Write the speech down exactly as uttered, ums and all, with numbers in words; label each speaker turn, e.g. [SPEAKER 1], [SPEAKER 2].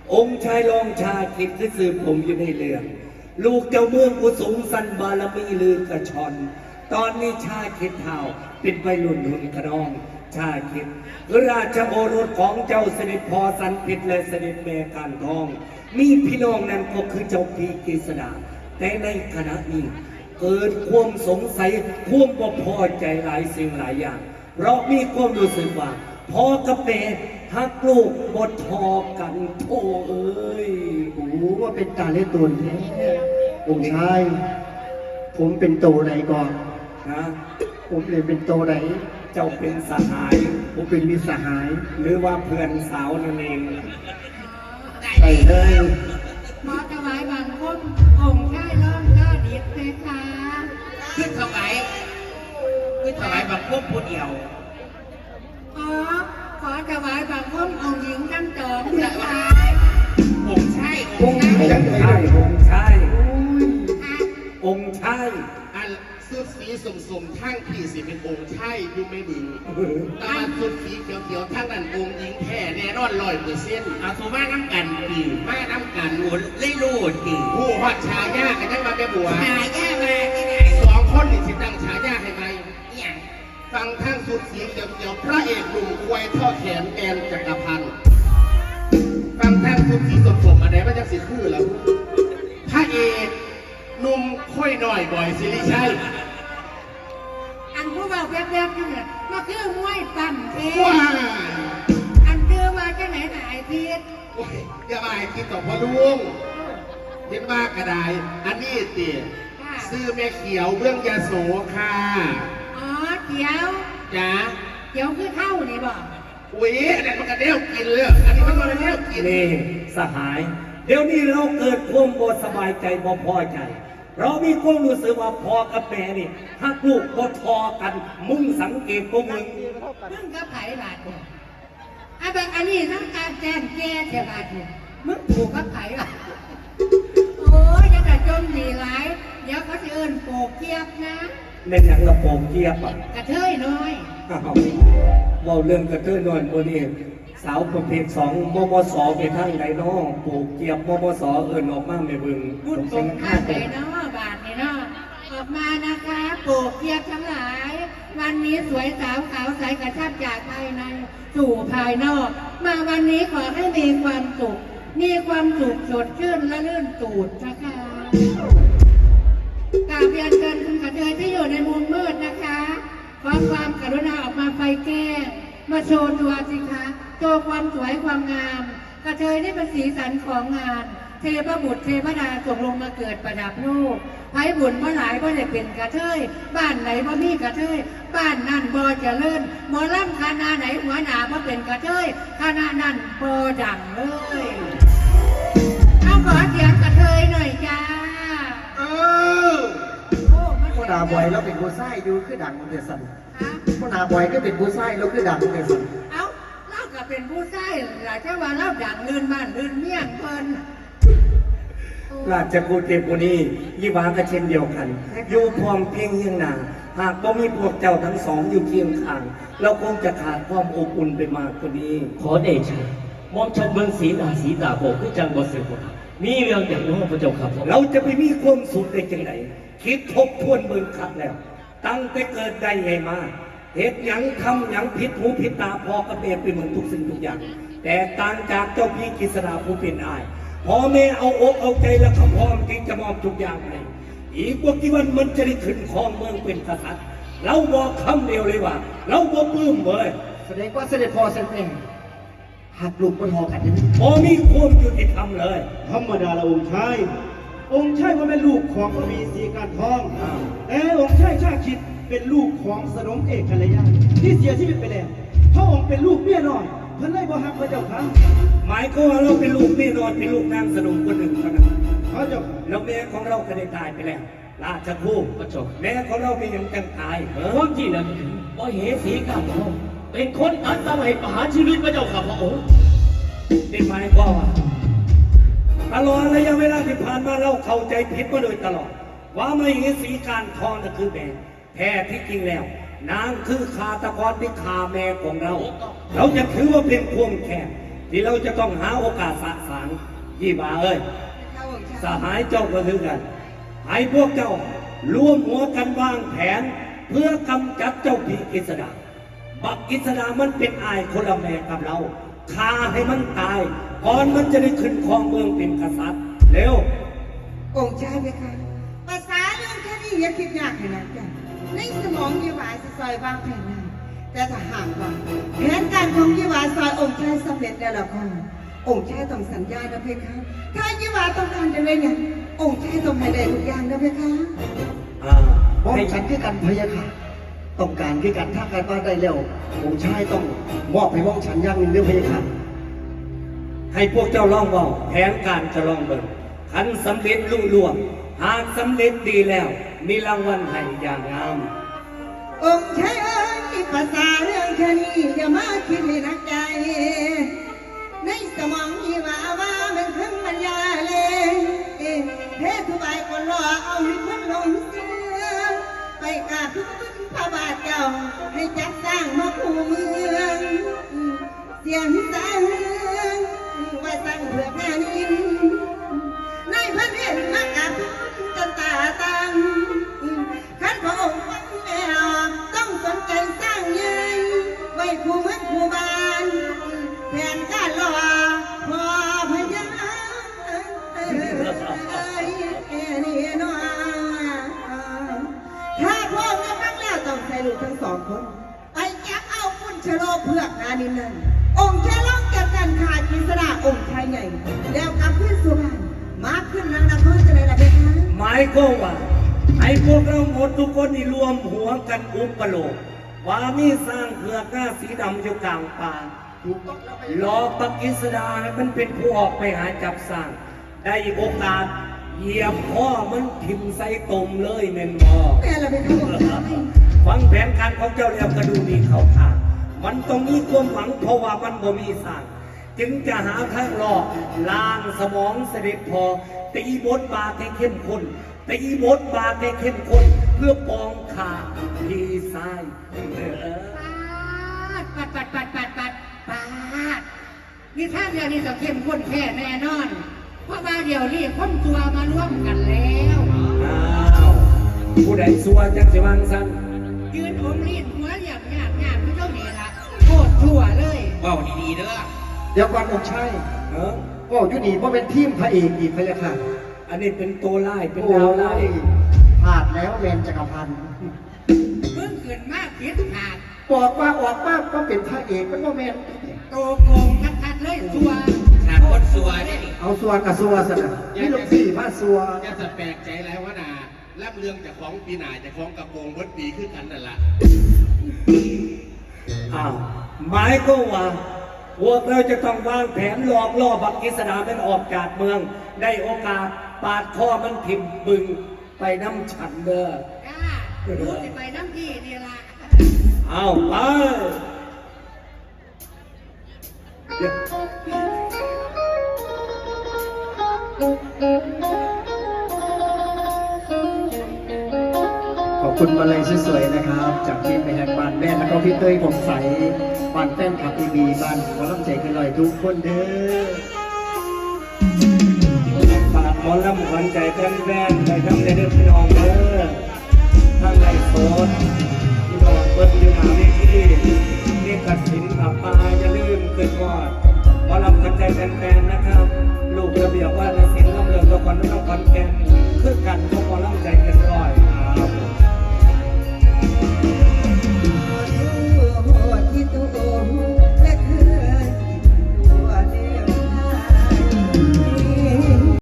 [SPEAKER 1] องค์ชายรองชาคิดที่สืบผมอยู่ในเรื่องลูกเจ้าเมืองกุสุงสันบารมีลือกระชอนตอนนี้ชาคิดเท่าเป็นวัยรุ่นหุ่นขนองชาคิดราชโอรสของเจ้าเสด็จพ่อสันพิษและเสด็จแม่การทองมีพี่น้องนั้นก็คือเจ้าพีกฤษดาแต่ในขณะนี้เกิดความสงสัยความบ่พอใจหลายสิ่งหลายอย่างเพราะมีความรู้สึกว่าพ่อกับแม่ฮักลูกบดทอกันโธ่เอ้ย
[SPEAKER 2] โอ้ว่าเป็นการเล่นตัวแท้องค์ชายผมเป็นโตไหนก่อน
[SPEAKER 1] นะ
[SPEAKER 2] ผมเลยเป็นโตไหน
[SPEAKER 1] เจ้าเป็นสหาย
[SPEAKER 2] ผมเป็นมิตรสหาย
[SPEAKER 1] หรือว่าเพื่อนสาวนั่นเอง
[SPEAKER 2] ใส่เลย
[SPEAKER 3] ขอถวายบังคมองค์ชายร่องก็ดีเพคะ
[SPEAKER 4] ขึ้นถวายขึ้นถวายบังคมผู้เดียว
[SPEAKER 3] อ๋อขอถวายบังคมองค์หญิงทั้งสองเพคะ
[SPEAKER 4] องค์ชาย
[SPEAKER 1] องค์ชายองค์ชายองค์ชาย
[SPEAKER 4] อันสุดสีสมๆทั้งพี่สิเป็นองค์ชายอยู่ไม่มือตาสุดสีเขียวๆทั้งนั้นองค์หญิงแท้แน่นอนลอยเปอร์เซ็นต์เอาสุมาน้ำกันดีมาน้ำกันโอนเล่โลดดีผู้ฮอดชายากันยังมาแม่บัว
[SPEAKER 3] ชายามาที่ไหน
[SPEAKER 4] สองคนนี่สิตั้งชายาให้ไหมเนี่ยฟังทั้งสุดสีเขียวๆพระเอกหนุ่มควายท่อแขนแอนจักรพันธ์ฟังทั้งสุดสีสมๆอะไรมันจะสิคือแล้วพระเอกหนุ่มค่อยหน่อยบ่อยสิริชัย
[SPEAKER 3] อันผู้เบาแวบๆเนี่ยมาคือมวยปั่นเท
[SPEAKER 4] ว้า
[SPEAKER 3] อันคือมาจะไหนไหนพีด
[SPEAKER 4] อย่ามาให้คิดต่อพ่อลุงเห็นมากกระไดอันนี้ตีซื้อแม่เขียวเบื้องยาโสค่ะ
[SPEAKER 3] อ๋อเขียว
[SPEAKER 4] จ้า
[SPEAKER 3] เขียวคือเข้านี่บอก
[SPEAKER 4] อุ้ยอันนี้มันกระเดี่ยวกินเลยอันนี้มันกระเดี่ยวกิน
[SPEAKER 1] นี่สหายเดี๋ยวนี้เราเกิดความบ่สบายใจบ่พอใจเรามีความรู้สึกว่าพ่อกับแม่นี่ฮักลูกบ่ทอกันมึงสังเกตพวกมึง
[SPEAKER 3] มึงก็ไผ่บาดเนี่ยไอ้แบบอันนี้ทั้งการแจ้งแก้เท่าบาดเนี่ยมึงผูกกับไผ่บาดโอ้ยยังแต่จมหนีหลายเดี๋ยวเขาจะเอิ้นโปกเกียบนะ
[SPEAKER 1] ในหนังกระโปรงเกียบอ่ะ
[SPEAKER 3] กระเทยน้อย
[SPEAKER 1] ว่าเรื่องกระเทยน้อยคนนี้สาวประเภทสองมมสไปทั้งไหนน้องปลูกเกียบมมสเอิญออกมาไม่บึง
[SPEAKER 3] พูดตรงข้าไหนเนาะบาทนี่เนาะออกมานะคะปลูกเกียบทั้งหลายวันนี้สวยสาวขาวใสกระชับจากภายในสู่ภายนอกมาวันนี้ขอให้มีความสุขมีความสุขสดชื่นและลื่นตูดนะคะกราบเรียนเชิญคุณกระเทยที่อยู่ในมุมมืดนะคะขอความกรุณาออกมาไฟแก้มาโชว์ตัวสิคะโชว์ความสวยความงามกระเทยนี่เป็นสีสันของงานเทพบุตรเทพดาส่งลงมาเกิดประดับโลกไผ่บุญเมื่อหลายก็ได้เป็นกระเทยบ้านไหนบ่มีกระเทยบ้านนั่นบ่เจริญหมอลำคณะไหนหัวหน้าบ่เป็นกระเทยคณะนั่นบ่ดังเลยเอาขอเสียงกระเทยหน่อยจ้า
[SPEAKER 4] เออ
[SPEAKER 2] พ่อนาบอยแล้วเป็นผู้ไส้ดูคือดังมันเดือดสั่นพ่อนาบอยก็เป็นผู้ไส้แล้วคือดังมันเดือดสั่น
[SPEAKER 3] เอ้าเล่าก็เป็นผู้ไส้หลายเจ้าว่าเล่าดังลื่นบ้านลื่นเมี่ยงเพลิน
[SPEAKER 1] ราชกูเทพุนียี่หวาก็เช่นเดียวกันอยู่พร้อมเพียงเฮียงนาหากบ่มีพวกเจ้าทั้งสองอยู่เคียงข้างเราคงจะขาดความอบอุ่นไปมากกว่านี้
[SPEAKER 5] ขอเดชะมองฉันเมืองศรีดาศรีดาโบกคือจังบ่เสือมีเรื่องอย่างน้องพระเจ้าครับ
[SPEAKER 1] เราจะไปมีความสุขได้จังไหนคิดทบทวนเมืองคัดแล้วตั้งแต่เกิดได้ไงมาเหตุหยังทำหยังผิดหูผิดตาพอกับแม่ไปเหมือนทุกสิ่งทุกอย่างแต่ต่างจากเจ้าพี่กฤษณาผู้เป็นอายพ่อแม่เอาอกเอาใจและเขาพร้อมที่จะมอบทุกอย่างให้อีกว่ากี่วันมันจะได้ขึ้นครองเมืองเป็นกษัตริย์เราบอกคำเดียวเลยว่าเราบ่ปลื้มเลย
[SPEAKER 2] แสดงว่าเสด็จพ่อเสด็จแม่หักลูกบนหอกันยัง
[SPEAKER 1] พอมีความยุติธรรมเลย
[SPEAKER 6] ธรรมดาละองค์ชายองค์ชายว่าเป็นลูกของพระบีศรีการทองแต่องค์ชายชาคิดเป็นลูกของสนมเอกกัลยาที่เสียชีวิตไปแล้วพระองค์เป็นลูกเมียน้อยเพิ่นเลยบ่ฮักพระเจ้าค่ะ
[SPEAKER 1] หมายก็ว่าเราเป็นลูกเมียน้อยเป็นลูกนางสนมคนหนึ่งเท่านั้น
[SPEAKER 6] พระเจ้า
[SPEAKER 1] แล้วแม่ของเราก็ได้ตายไปแล้วราชครู
[SPEAKER 5] พระเจ้า
[SPEAKER 1] แม่ของเราเป็นอย่างจังตาย
[SPEAKER 5] ความจริงนะว่าเหสีการทองเป็นคนตัดสมัยประหารชีวิตพระเจ้าค่ะพระองค์
[SPEAKER 1] ได้หมายก็ว่าตลอดระยะเวลาที่ผ่านมาเราเข้าใจผิดมาโดยตลอดว่าไม่เหสีการทองนั่นคือแม่แท้ที่จริงแล้วนางคือฆาตกรที่ฆ่าแม่ของเราเราจะถือว่าเป็นความแค้นที่เราจะต้องหาโอกาสสะสางยี่บาเอ้ย
[SPEAKER 3] ข้าองค์ชาย
[SPEAKER 1] สหายเจ้าก็คือกัน ให้พวกเจ้าร่วมหัวกันวางแผน เพื่อกำจัดเจ้าผีกฤษดาบักกฤษดามันเป็นอายคนละแม่กับเราฆ่าให้มันตาย ก่อนมันจะได้ขึ้นครองเมืองเป็นกษัตริย์เร็ว
[SPEAKER 7] องค์ชายไหมคะภาษาเรื่องแค่นี้อย่าคิดยากขนาดนั้นในสมองยีหวาจะซอยวางแผนนั้นแต่ถ้าหากว่าแผนการของยีหวาซอยองค์ชายสำเร็จแล้วล่ะค่ะองค์ชายต้องสัญญานะเพคะถ้ายีหวาต้องการจะได้เนี่ยองค์ชายต้องให้ได้ทุกอย่างนะเพคะ
[SPEAKER 1] อ่า
[SPEAKER 2] ป้อง
[SPEAKER 1] ให้
[SPEAKER 2] ฉันคือกันพะยะค่ะ ต้องการคือกันถ้าการบ้านได้แล้วผมชายต้องมอบให้ป้องฉันอย่างหนึ่งด้วยพะยะค่ะ
[SPEAKER 1] ให้พวกเจ้าลองเว่าแผนการจะลองเบิ่งขันสำเร็จลุล่วงหากสำเร็จดีแล้ว มีรางวัลให้อย่างงาม
[SPEAKER 7] องค์ชายเอ้ยภาษาเรื่องแค่นี้อย่ามาคิดให้หนักใจในสมองยีหวาว่ามันขึ้นมันยาเลยเททุบายคนรอเอาให้คนหลงเสือไปกราบทุกพระบาทเจ้าให้จัดสร้างมาคู่เมืองเสียงสางว่าสร้างเพื่อแผ่นดินในพระเนตรมากราบจนตาตังขันพระองค์ฟังแล้วต้องสนใจสร้างใหญ่ไว้คู่เมืองคู่บ้านแผนการรอพอพยานี่น้อถ้าพ่อแม่ฟังแล้วต้องใส่ลูกทั้งสองคนไปจับเอาคุณชะโลเพือกนานินนั้นองค์แค่ล่องจับกันขาดกิสดาองค์ชายใหญ่แล้วกลับขึ้นสุพรรณมาขึ้นนางนครจะได้ละเพคะ
[SPEAKER 1] หมายก็ว่าให้พวกเราหมดทุกคนนี่รวมหัวกันอุปโลกว่ามีสร้างเผือกหน้าสีดำอยู่กลางป่า
[SPEAKER 2] ถูกต้องแล้วพะ
[SPEAKER 1] ร
[SPEAKER 2] ยะ
[SPEAKER 1] อปักกิสดาให้มันเป็นผู้ออกไปหาจับสร้าง ได้โอกาสเหยียบพ่อมันทิมใส่ตมเลยเมนบอ
[SPEAKER 7] แม่ละเพคะองค์ชาย
[SPEAKER 1] ฟังแผนการของเจ้าแล้วก็ดูมีเขาทางมันต้องมีความหวังเพราะว่ามันบ่มีสร้าง จึงจะหาทางหลอกล้างสมองเสด็จพอตีบทบาทให้เข้มข้นตีบทบาทให้เข้มข้นเพื่อปองขาพีซ้ายเออ
[SPEAKER 3] ปัดปัดปัดปัดปัดปัดนี่ท่าเดียวนี่จะเข้มข้นแค่แน่นอน เพราะว่าเดี๋ยวนี้คนตัวมาร่วมกันแล้ว
[SPEAKER 1] อ้าวผู้ใดสัวจังสิวังสัน
[SPEAKER 3] ยืนอมลิ้นหัวเหยียบหยาบหยาบพี่เจ้านี่ละโคตรชั่วเลย
[SPEAKER 4] เว้าดีๆเด้อ
[SPEAKER 2] เดี๋ยวก่อนองค์ชาย
[SPEAKER 1] เออ
[SPEAKER 2] ก็อยู่นี่เพราะเป็นทีมพระเอกอีกพะยะค่ะ
[SPEAKER 1] อันนี้เป็นตัวไล่เป็น
[SPEAKER 2] โอ้
[SPEAKER 1] ดาวไล่
[SPEAKER 2] ยพลาดแล้วเวนจักรพันธ์
[SPEAKER 3] เพิ่งเกิดมากคิดขาด
[SPEAKER 2] บอกว่าออกมากก็เป็นพระเอกเป็นโมเมน
[SPEAKER 3] โตโกงทัดๆเลยชั่ว
[SPEAKER 4] ขาดคนสัวได้นี่
[SPEAKER 2] เอาสัวกับสัวสนะนี่ลูกสี่พระสัว
[SPEAKER 4] จะจะแปลกใจแล้วว่านารับเรื่องจากของปีหนาจากของกระโปรงวัดปีขึ้นกันนั่นแหละ
[SPEAKER 1] อ้าวหมายก็ว่าพวกเราจะต้องวางแผนหลอกล่อบักกิสดามันออกจากเมือง ได้โอกาสปาดคอมันทิมบึงไปน้ำฉันเด้อ
[SPEAKER 3] จ้ารู้สิไปน้ำพี่นี่ละ
[SPEAKER 1] เอาไปเดี๋ยว
[SPEAKER 2] ขอบคุณมาเลยสวยๆนะครับ จากทีมในแห่งบ้านแม่แล้วก็พี่เต้ยผมใสบ้านแฟนคลับทีวีบ้านขอรับใจกันหน่อยทุกคนเด้อ
[SPEAKER 1] ฝากหมอลำขวัญใจแฟนๆไปทำในเรื่องพี่น้องเด้อทางไรโซนพี่น้องเบิ้ลอยู่หน้าเวทีนี่กัดสินอับปาอย่าลืมเกิดกอดหมอลำขวัญใจแฟนๆนะครับ ลูกระเบียบว่าศิลป์ลำเลิงละครน้องขอนแก่นคือกันของหมอลำ